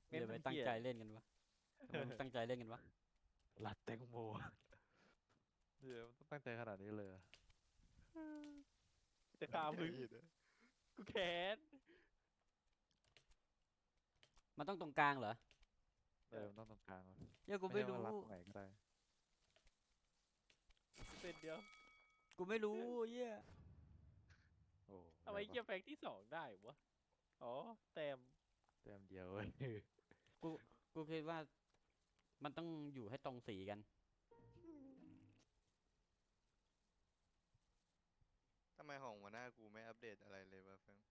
เดี๋ยวไปตั้งใจเล่นกันวะทำไมมึงตั้งใจเล่นกันวะรัดแตงโมเดี๋ยวมันต้องตั้งใจขนาดนี้เลยเหรอจะฆ่ามึงใจเย็นนะกูแค้นมันต้องตรงกลางเหรอมันต้องตรงกลางวะเหี้ยกูไม่ไม่รู้ใช่ว่ารัดตรงไหนก็ได้เส้นเดียวกูไม่รู้เหี้ยโอ้ทำไมเกียร์แฟงที่สองได้วะอ๋อแต้มแต้มเดียวเว้ยกูกูคิดว่ามันต้องอยู่ให้ตรงสีกันทำไมของหัวหน้ากูไม่อัปเดตอะไรเลยวะแฟง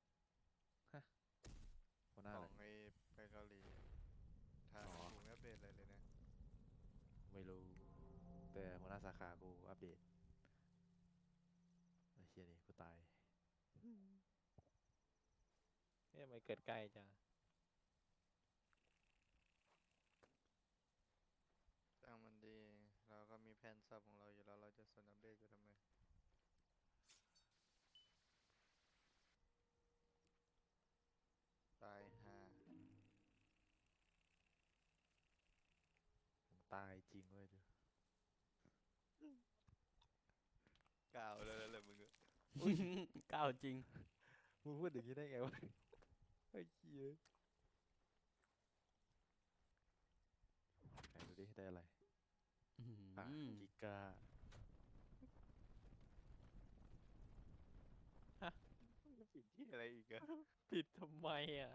หัวหน้าขอะไรองไอ้ไปเกาหลีทางอ๋อกูไม่อัปเดตอะไรเลยนะไม่รู้แต่หัวหน้าสาขากูอัปเดตไอ้เชี่ยนี่กูตายเนี่ยมันเกิดใกล้จังจ้างมันดี เราก็มีแผนซับของเราอยู่แล้วเราจะสนอัปเดตกูทำไมตายห่าผมตายจริงเว้ยดูก้าวแล้วแหละมึงอะก้าวจริงมึงพูดอย่างนี้ได้ไงวะไอ้เหี้ยไหนดูดิได้อะไรอื้ออ่ะหือกิกาผิดที่อะไรอีกอะผิดทำไมอ่ะ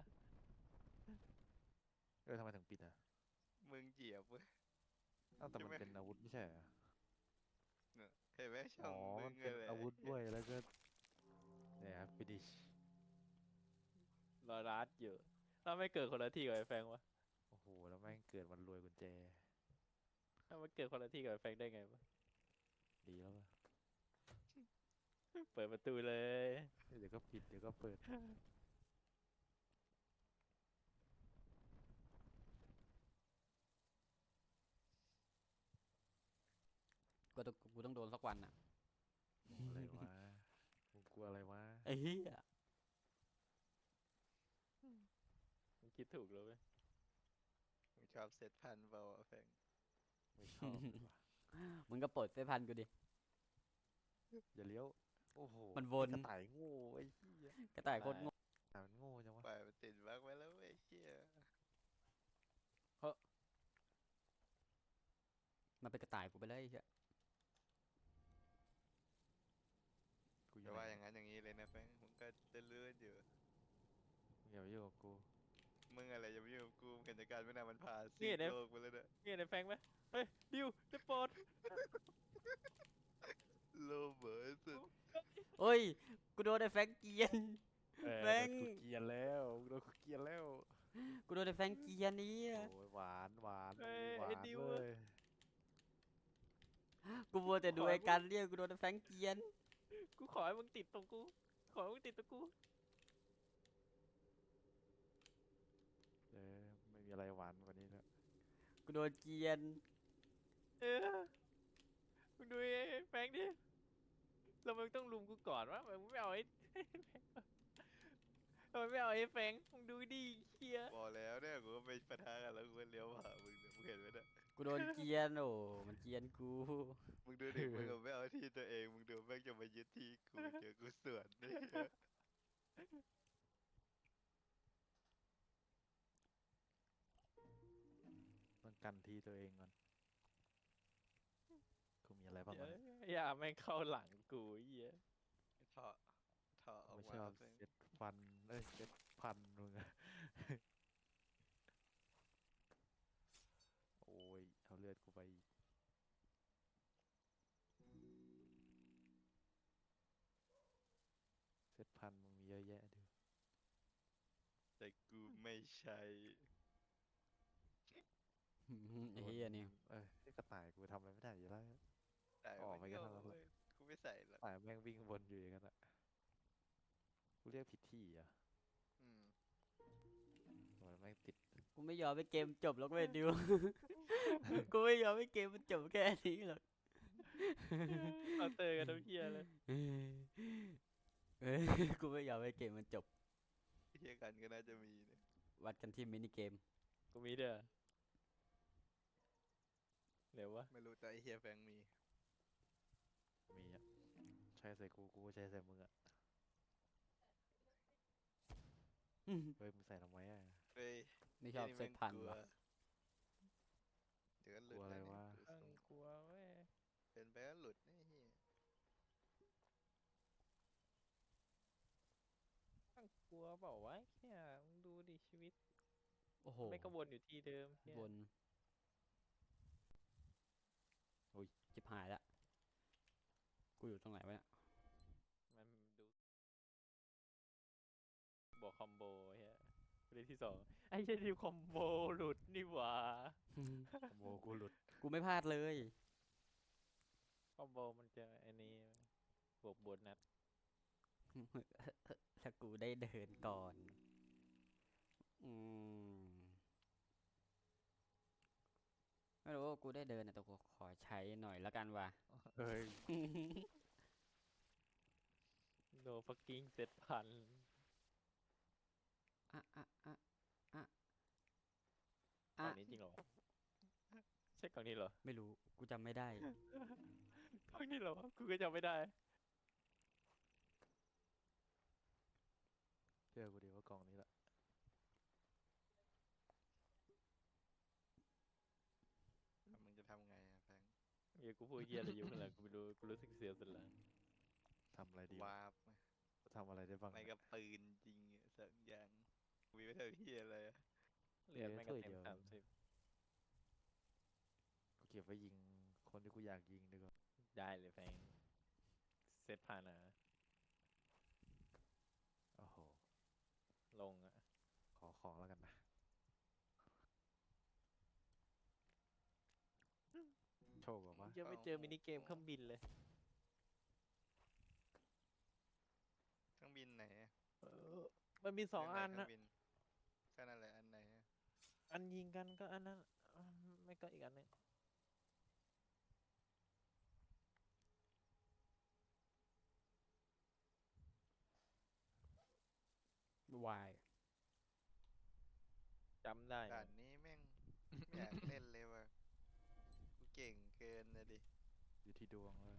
ทำไมถึงปิดอ่ะมึงเหยียบเว้ยอ้าวแต่มันใช่ไหมเป็นอาวุธไม่ใช่เหรอเนี่ยเห็นไหมช่อ๋อองมึมังนเป็นอะไรอาวุธด้วยแล้วก็เนี่ยครับฟินิชรอรัดอยู่ถ้าไม่เกิดคนละที่กับไอ้แฟงวะโอ้โหแล้วแม่งเกิดวันรวยกุญแจถ้ามันเกิดคนละที่กับไอ้แฟงได้ไงวะดีแล้วป่ะเปิดประตูเลยเดี๋ยวก็ปิดเดี๋ยวก็เปิดกูต้องโดนสักวันอ่ะอะไรวะมึงกลัวอะไรวะไอ้เหี้ยมึงคิดถูกแล้วเว้ยมึงชอบเซตพันเปล่าวะแฟงไม่ชอบเลยว่ะมึงก็เปิดเซฟพันกูดิอย่าเลี้ยวโอ้โหมันวนกระต่ายโง่ไอ้เหี้ยกระต่ายโคตรโง่อ่ะมันโง่จังวะปล่อยมันติดบั๊กไว้แล้วเว้ยเฮียมันเป็นกระต่ายกูไปเลยไอ้เหี้ยกูอแต่ยู่ไหว่าอย่างนั้นอย่างนี้เลยนะแฟงมึงก็จะเลื่อนอยู่มึงอย่ามายุ่งกับกูมึงอะไรอย่ามายุ่งกับกูมึงเห็นแต่การไม่นานมันผ่านนี่สิ่งเนี่ยโลกไปแล้วเนี่ยนี่ไอ้แฟงไหมเฮ้ยดิวจะโปรดโลกเบิร์สุดเฮ้ยกูโดนไอ้แฟงเกรียน แม่งโดนกูเกลียนแล้วโดนกูเกลียนแล้วกูโดนไอ้แฟงเกรียนนี่โอ้ยหวานหวานเฮ้ยหวาไอ้นดิวเลยกูมัวแต่ดูไอ้การเรียกกูโดนไอ้แฟงเกรียนกูขอให้มึงติดตรงกู ขอให้มึงติดตรงกูเออไม่มีอะไรหวานกว่านี้แล้วกูโดนเกรียนเออมึงดูไอ้แฟงดิแล้วมึงต้องลุมกูก่อนวะทำไมมึงไม่เอาไอ้ ทำไมไม่เอาไอ้แฟงมึงดูดิเฮียบอกแล้วเนี่ยกูก็ไปปะทะกันแล้วกูก็เลี้ยวมาหามึงเนี่ยมึงเห็นไหมเนี่ยกูโดนเกรียนโอ้มันเกรียนกูมึงดูดิมึงก็ไม่เอาที่ตัวเองมึงดูแม่งจะมายึดที่กูเจอกูสวนนี่ต้องกันที่ตัวเองก่อนกูมีอะไรบ้างวะอย่าแม่งเข้าหลังกูเฮียเถาะเถาะออกไม่มาชอบซึ่งเซ็ตฟันเซ็ตพันมึงอะ โอ้ยเอาเลือดกูไปอีกเซ็ตพันมึงมีเยอะแยะดูแต่กูไม่ใช่ไอ้เหี้ยนี่นี่กระต่ายกูทำอะไรไม่ได้อยู่แล้วแต่ออกไปก็ม่เท่านั้นแหละเว้ยกูไม่ใส่หรอกต่ายแม่งวิ่งวนอยู่อย่างนั้นอะกูเรียกผิดที่อ่ะอืมโอ้ยแม่งติดกูไม่ยอมให้เกมจบหรอกเว้ยดิว กูไม่ยอมให้เกมมันจบแค่นี้หรอกเอาเตอร์กันทุกเฮียเลยเอ้ยกูไม่ยอมให้เกมมันจบเทียกันก็น่าจะมีเนี่ยวัดกันที่มินิเกมกูมีเด้อเร็ววะไม่รู้แต่ไอเฮียแฟงมีมีอ่ะใช้ใส่กูก็ใช้ใส่มึงอ่ะเฮ้ยมึงใส่ทำไมอ่ะเฮ้ยไม่ชอบไนี่เซแม่ตงพันกลัววะเดี๋ยวก็หลุกลัดวอะไรแล้ววะเนี่ยตั้งกลัวเว้ยเป็นไปก็หลุดนี่เฮียตั้งกลัวเปล่าวะแค่มึงดูดิชีวิตโอ้โหไม่ก็วนอยู่ที่เดิมเหี้ยบนโอ้ยจิบหายละกูอยู่ตรงไหนวะเนี่ยมันดูบวกคอมโบเฮียประเด็นที่สองไอ้เหี้ยทีมคอมโบหลุดนี่หว่าคอมโบกูหลุดกูไม่พลาดเลยคอมโบมันจะไอ้นี้บวกโบนัสถ้ากูได้เดินก่อน อืมไม่รู้ว่ากูได้เดินนะแต่กูขอใช้หน่อยแล้วกันว่ะเฮ้ยโดฟักกิ้งเซ็ตพันอ่ะอ่ะอ่ะอ่ะกล่อ่ะองนี้จริงเหรอวะใช่กล่องนี้เหรอไม่รู้ กูจำไม่ได้กล่องนี้เหรอวะกูก็จำไม่ได้เชื่อกูดีว่ากล่องนี้แหละแล้วมึงจะทำไงอะแฟงเฮียกูพูดเฮียอะไรอยู่ข้างหลังกูไม่รู้กูรู้สึกเสียวสันหลังทำอะไรดีวะวาบไหมทำอะไรได้บ้างไม่เนี่ยกับปืนจริงอะสักอย่างกูมีไม่เท่าเฮียอะไรอะเรียนแม่งก็ถ้วยเต็เดีมยว 30 กูเก็บไว้ยิงคนที่กูอยากยิงดีกว่าได้เลยแฟงเซ็ตผ่านอ่ะโอ้โหลงอ่ะขอของแล้วกันนะโชคบอกว่ายังไม่เจอมินิเกมเครื่องบินเลยเครื่องบินไหนอะมันมีสองเรื่อันไหเครื่นะบินก็นั่นแหละอันไหนอะอันยิงกันก็อันนั้นไม่ก็อีกอันหนึงวายจำได้ด่านะนนี้แม่ง ไม่อยากเล่นเลยว่ะกูเก่งเกินนะดิอยู่ที่ดวงเลย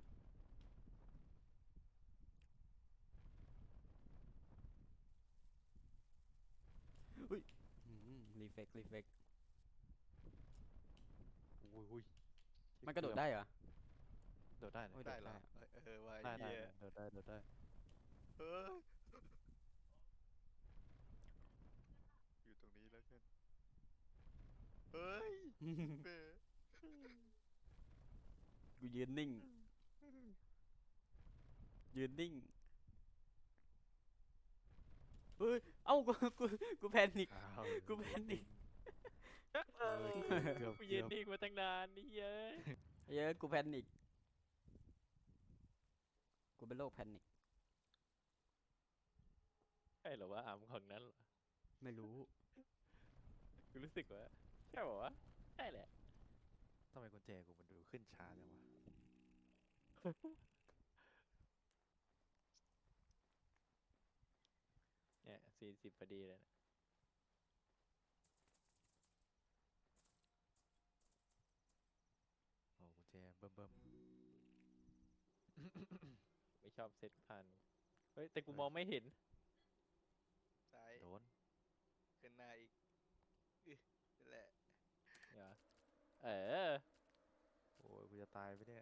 รีเฟกรีเฟกอุ้ยมันกระโดดได้เหรอโดดได้นะโอ้ยได้เหรอได้อะเออว่าได้เฮียโดดได้โดดได้เอออยู่ตรงนี้แล้วกันเฮ้ยเบ้กูยืนนิ่ง ยืนนิ่ง เฮ้ย เอ้า กูแพนิคอ้าวกูแพนิคเออเกือบกูเกืยือน บนิ่งมาตั้งนานนี่เย้ยเยอะกูแพนิค กูเป็นโรคแพนิคใช่เหรอวะอามของนั้นเหรอไม่รู้กูรู้สึกว่าใช่บอกว่าวะใช่แหละทำไมกุญแจกูมันดูขึ้นช้าจังวะเนี่ย40พอดีเลยนะโอ้กุญแจเบิ่มไม่ชอบเซตพันเฮ้ยแต่กูมองไม่เห็นซ้ายโดนขึ้นหน้าอีกนั่นแหละเดี๋ยวเออโอ้ยกูจะตายไปเนี่ย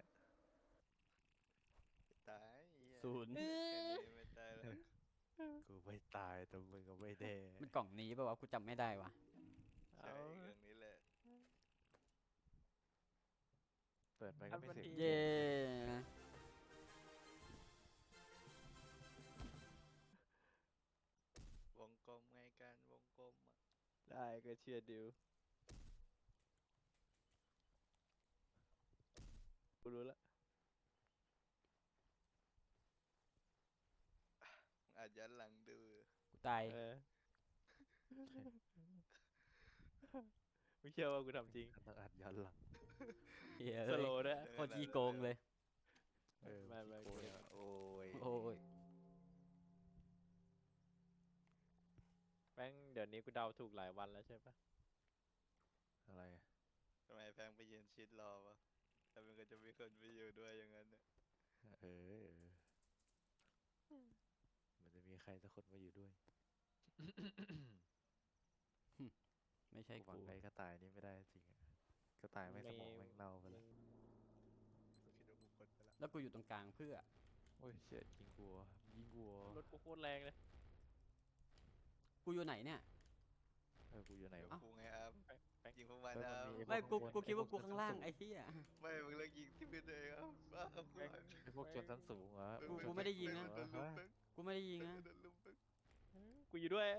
ตายเหี้ยศูนย์แค่นี้ไม่ตายแล้วกูไม่ตายแต่มึงก็ไม่แน่มันกล่องนี้ป่าวะ กูจำไม่ได้วะใช่เรื่องนี้แหละเปิดไปก็ไม่เสร็จอันมันดีเย้วงกลมไงการวงกลมอะได้ก็เชื่อดิวกูรู้ละอาจย้อนหลังดูกูตายเออไม่เชื่อว่ากูทำจริงต้องอัดย้อนหลังเฮ้ยสโลว์ด้วยโคตรขี้โกงเลยเออไม่ขี้โกงกูอะโอ้ยโอ้ยแม่งเดี๋ยวนี้กูเดาถูกหลายวันแล้วใช่ปะอะไรอะทำไมแฟงไปยืนชิดรอวะแต่มันก็จะมีคนไปอยู่ด้วยอย่างนั้นเนี่ยเออมันจะมีใครสักคนมาอยู่ด้วยไม่ใช่กูหวังกูไงก็ตายนี่ไม่ได้จริงอะก็ตายไม่สมองแม่งเน่าไปแล้วกูคิดว่ากูคนไปละแล้วกูอยู่ตรงกลางเพื่อโอ้ยเชี่ยยิงกูอะยิงกูอะรถกูโคตรแรงเลยกูอยู่ไหนเนี่ยกูอยู่ไหนเดี๋ยววะกูไงครับแฟงยิงพวกมันเฮ้ยนะมันมีไม่กูพวกกูคิดว่าพวกกูข้างล่างชั้นสูงไอ้เหี้ยไม่มึงเลิกยิงที่พื้นตัวเองครับบ้าครับแฟงไอ้พวกชนชั้นสูงเหรอกูไม่ได้ยิงนะโดนลุมมึงกูไม่ได้ยิงนะโดนลุมมึงกูอยู่ด้วย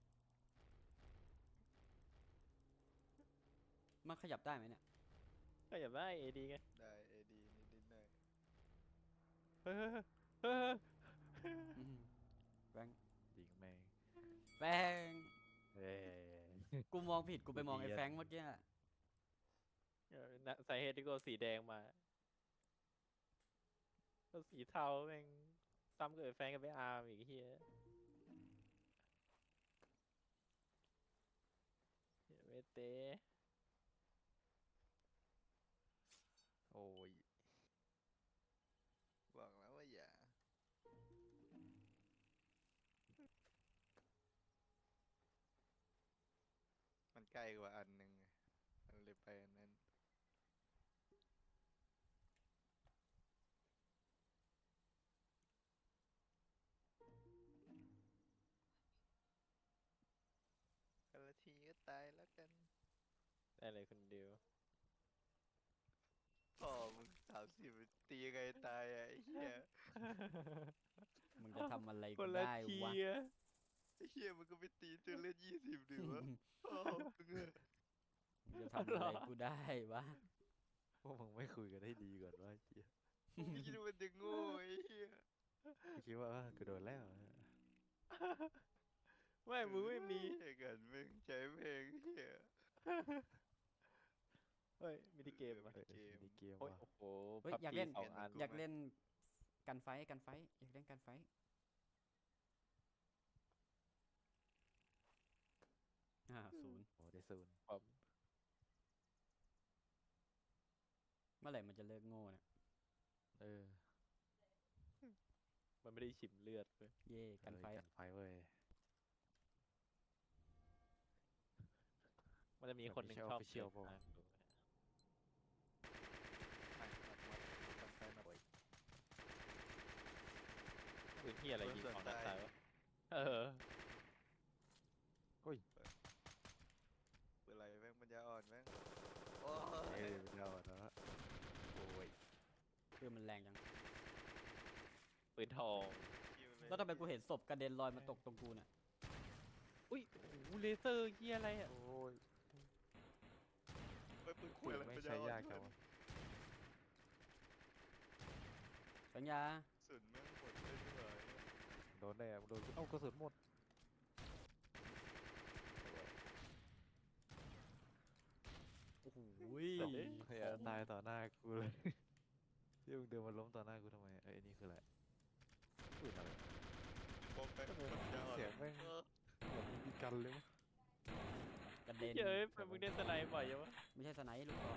มันขยับได้ไหมเนี่ยก็อย่าได้เอดีไงได้เอดีนิดหน่อยเฮ้ยเฮ้ยอืมแบงค์ยิงแม่งแฟงเอ้ยกูมองผิดกูไปมองกูไอ้เนียนแฟงเมื่อกี้อะสาเหตุที่กูเอาสีแดงมาก็สีเทาแม่งซ้ำกับไอ้แฟงกับไอ้อาร์มอีกเฮียเวเตโอ้ยบอกแล้วว่าอย่ามันใกล้กว่าอันหนึ่งไงมันเลยไปอันนั้นกันละทีก็ตายแล้วกันได้เลยคนเดียวพ่อมึง30ตียังไงตายอ่ะไอ้เหี้ยมึงจะทำอะไรคกูนละได้ทีวะอะไอ้เหี้ยมันก็ไปตีจนเล่น20ดิวะพ่อมึงอะมึงจะทำอะไรกูได้วะพวกมึงไม่คุยกันให้ดีก่อนว่าเชี่ยไม่คิดว่ามันจะโง่ไอ้เหี้ยกูคิดว่ากูโดนแล้วไม่มึงไม่มีไอ้กันมึงใช้เพลงเหี้ยเฮ้ยมินิเกมอะเออมีเกมโอ้ยว่ะโอ้โหเฮ้ย PUBG อยากเล่นสองอันอยากเล่นกันไฟท์อยากเล่นกันไฟท์0 โอ้ได้ศูนย์เมื่อไหร่มันจะเลิกโง่เนี่ยเออมันไม่ได้ฉิมเลือดเลยเย่กันไฟท์กันไฟเว้ยมันจะมีคนหนึ่งไม่ใช่ชอบ official เล่นเปล่าวะนะกันไฟหน่อยปืนที่อะไรยิงของนักตายวะเออเวลาแม่งปัญญาอ่อนแม่งโอ้เอ้ยยไม่เอาแล้วโอ้ยคือมันแรงจังปืนทองแล้วทำไมกูเห็นศพกระเด็นลอยมาตกตรงกูเนี่ยอุ้ยโอ้โหเลเซอร์เฮียอะไรอ่ะโอ้ยไปปืนคุคุยยอะไรไม่ปัญญาใช่อ่อนยากจังวะสัญญาสุดแม่งหมดเลยดีกว่าโดนได้อะโดนเอ้ากระสุนหมดโอ้โหเฮ้ยตายต่อหน้ากูเลยที่มึงเดินมาล้มต่อหน้ากูทำไมไอ้นี่คืออะไรปืนอะไรบอกไปปัญญาอ่อนเสียงแม่งเออเหมือนมีกันเลยวะกระเด็นเฮ้ยเป็นมึงเล่นสไนป์บ่อยยังวะไม่ใช่สไนป์ลูกบอล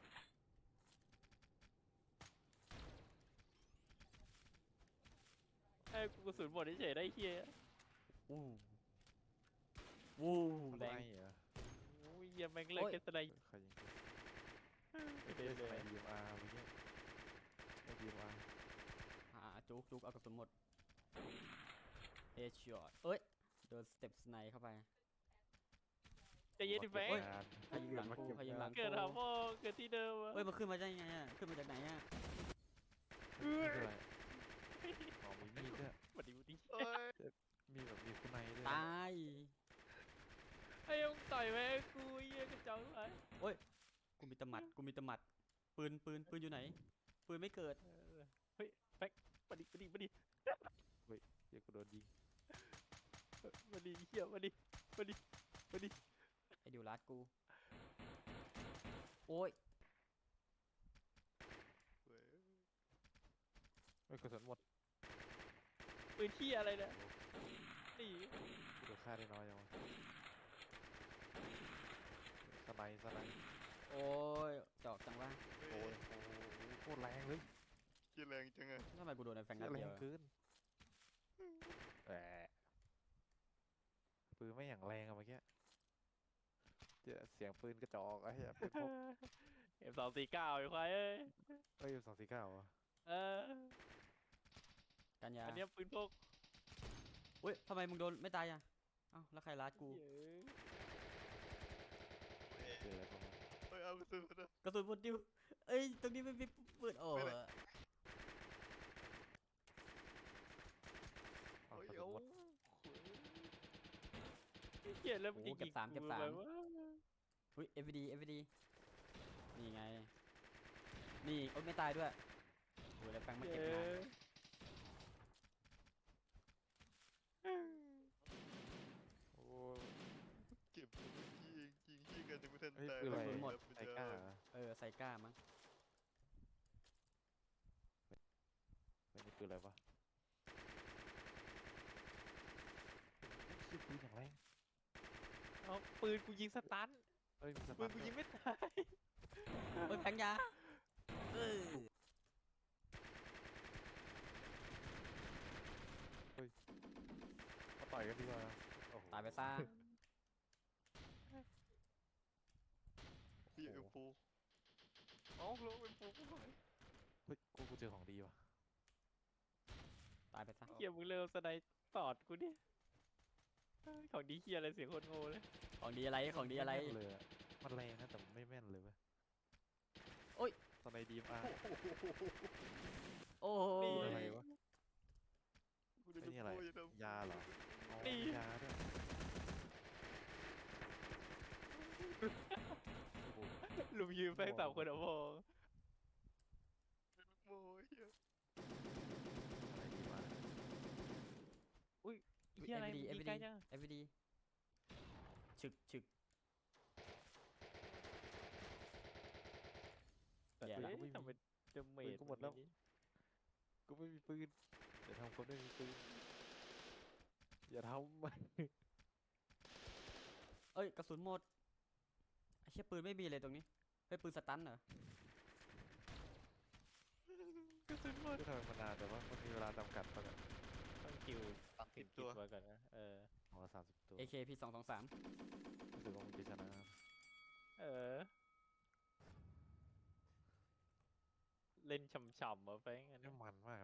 ไอ้กูกระสุนหมดเฉยๆได้เฮียอู้วู้แรงไม่เหรอโอ้ยเฮียแม่งเล่นแค่สไนป์ใครยิงกูไม่ได้เลยไอ้ DMR อะไรเงี้ยไอ้ DMR จุกเอากระสุนหมดเฮดช็อตเอ้ยโดนสเต็ปสไนเข้าไปใจเย็นดิแฟงเฮ้ย ใครยิงหลังกูใครยิงหลังเกิดหาพ่อเกิดที่เดิมอะเฮ้ยมันขึ้นมาได้ยังไงอ่ะขึ้นมาจากไหนอ่ะนี่คืออะไรอ๋อมีมีดด้วยสวัสดีวุฒิเอ้ยมีแบบมีคุณในด้วยตายไอ้ยังต่อยแม่งกูเฮียกระจอกเลยกูมีตะหมัดปืนอยู่ไหนปืนไม่เกิดเฮ้ยแฟงมาดิเดี๋ยวกูโดนยิงเฮียมาดิไอ้ดิวรัดกูโอ้ยเว้ยเฮ้ยกระสุนหมดปืนที่อะไรเนี่ยนี่กูโดนฆ่าได้น้อยจังวะเไนด์สไนด์โอ้ยจอกจังวะโอ้ยโอ้โหโคตรแรงเลยเหี้ยแรงจังอะทำไมกูโดนไอ้แฟงเหี้นัยดแรเดียงวอะเกินแหมปืนไม่อย่างแรงอะเมื่อกี้เจอเสียงปืนกระจอกไอ้เหี้ยปืนพก M249ไอ้ควายเอ้ยเอ้ย249อ่ะเออกันยาอันเนี้ยปืนพกอุ้ยทำไมมึงโดนไม่ตายอ่ะเอ้าแล้วใครรัดกูเย้ยเจออะไรประมาณเฮ้ยเอากระสุนนะกระสุนหมดดิวเอ้ยตรงนี้ไม่มีปืนโอ้ไม่ยได้อ้าวเฮ้ยกระสุเอานหมดเหี้ยแล้วมึงโอ้จะเก็ยิบงสามเก็บกูสามแบบว่าอุ้ย FVD นี่ไงนี่โอ้ยไม่ตายด้วยโอ้ยแล้วแฟงมาเก็บงานโอ้ยเก็บตัวเมื่อกี้เองยิงที่กันยังไม่ทันเฮ้ยตายปืนอะไรกระสุนหมดไทก้าเหรอเออไซก้ามั้งไม่นี่ปืนอะไรวะชื่อปืนอย่างแรงเอาปืนกูยิงสตันเอ้ยมีสปืตันนกูด้วยิยงไม่ตายเอ้ยแฟงยาเออมาต่อยกันดีกว่าโอ้โหตายไปซะพี่เอ็มฟูเอ้าแล้วเอ็มฟูกูหายเฮ้ยกูเจอของดีว่ะตายไปซะเหี้ยมึงเร็วสไนด์ตอดกูดิเฮ้ยของดีเหี้ยอะไรเสียงโคตรโง่เลยของดีอะไรของดีอะไรม่แม่นเลยอะมันแรงนะแต่มันไม่แม่นเลยเว้ยโอ้ยตอนในดีมอาโอ้โหนี่อะไรวะกูจะไอ้นี่อะไรพูดจะทำยาเหรออ๋อนี่มียาด้วยโอ้โหลุมยืนแฟงสามคนอะพอเป็นลูกโม่ไอ้เหี้ยอะไรดีมาเหี้ยอะไรมึงยิงไกลจัง FVD ฉึกฉึกแต่แย่ปืนละกูไม่ทำมีเป็นเดเมปืนจกูหมดแล้ว กูไม่มีปืนอย่าทำคนไม่มีปืนอย่าทำมันเอ้ยกระสุนหมดไอ้เชี่ยปืนไม่มีเลยตรงนี้เฮ้ยปืนสตันเหรอกระสุนหมดก็ทำไมมันนานแต่ว่ามันมีเวลาจำกัดปะเนี่ยต้องคิวตัดติติดดตัตัว วก่อนนะของละ30 ตัว AKP 223 รู้สึกว่ามึงจะชนะเออ เล่นฉ่ำๆอ่ะแฟงอันนี่นี้มันมาก